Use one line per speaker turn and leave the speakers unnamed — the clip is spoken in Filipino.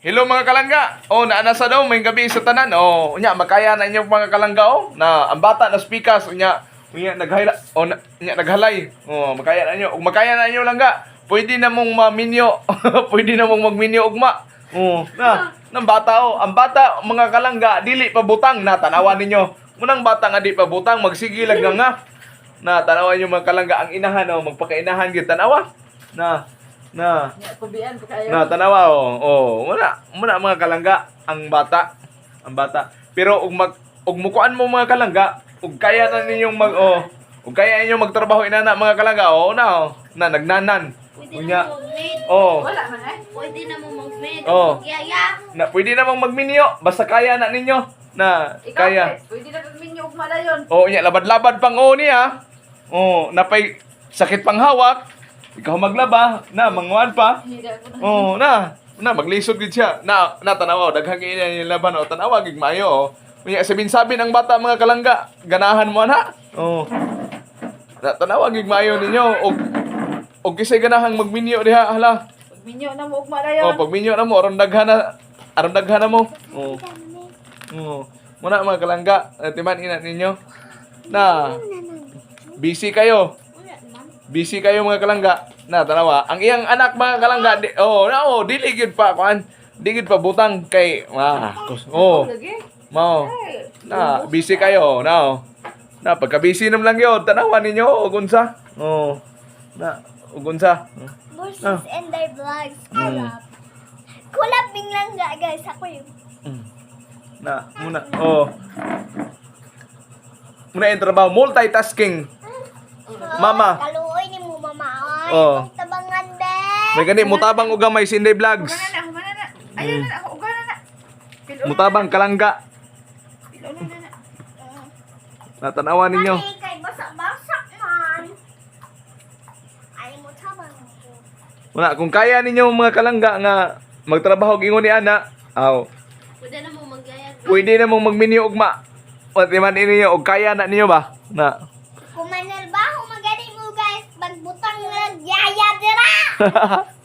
Hello mga kalangga. Oh, naanasa daw may gabi sa tanan. Oh, unya makaya na inyo mga kalangga oh. Na ang bata na speakers unya naghala oh naghalay. Oh, makaya na inyo. Ug makaya na inyo langga. Pwede na mong maminyo. Pwede na mong magminyo ugma. Oh, na nang bata oh. Ang bata mga kalangga dili pa butang na tanawan ninyo. Munang bata nga di pa butang magsigilag nga. Na tanawan niyo mga kalangga ang inahan oh, magpakainahan gyud tanawa. Na
Kubian ko kayo.
na tanawa oh muna mga kalangga ang bata pero ug mukuan mo mga kalangga ug kaya na ninyong ug kaya ninyong magtrabaho inana mga kalangga na nagnanan
Pwede
unya
na mo mag-maid.
Wala man eh.
Pwede na mo mag-maid.
Oh.
Yaya.
na pwede namang magminyo basta kaya na ninyo na
Ikaw
kaya
pwede na kagminyo ugma na yun.
unya labad-labad pang niya napay sakit pang hawak ikaw maglaba na manguan pa.
Hindi ako
Oh,
na.
na maglisod gid siya. Na tanawa daghang ina yung laban o tanawa gid maayo. Unya sabi ng bata mga kalangga, ganahan mo na. Oh. Na tanawa gid maayo ninyo og kisay ganahang magminyo diha hala.
Pagminyo na mo ugma na yun.
Oh, pag minyo na mo aron daghan na mo. Oh. Oh. Muna mga kalangga, timan ina ninyo. Na busy kayo. Busy kayo mga kalangga. Na tanawa, ang iyang anak mga kalangga, dili gid pa kuan. Di gid pa butang kay
Lagi.
mao. Na busy kayo, na pagka busy nam lang yun, tanawa ninyo ug unsa. Oh. Na ug unsa.
Versus and their vlogs. Kulabing lang guys. Ako yun.
Na muna. Muna yung trabaho, multitasking. Mama.
Kaluoy ni mo mama. Ay,
Oh.
tabangan din.
May gani mutabang og gamay Sinday Vlogs.
Humana na. Ayun na ako ugana na. Pilo na.
Mutabang kalangga.
Pilo na.
Natanawa ninyo.
Ay, kay basak-basak man. Ay, mo tabang ko.
Muna kung kaya ninyo mga kalangga nga magtrabaho og ingon ni ana,
Pwede na mo magyayag.
pwede na mong magminyo ugma. Pati man ninyo og kaya na ninyo ba? Na.
Kumanal ba? Humagani mo guys. Bagbutang nagyaya dira.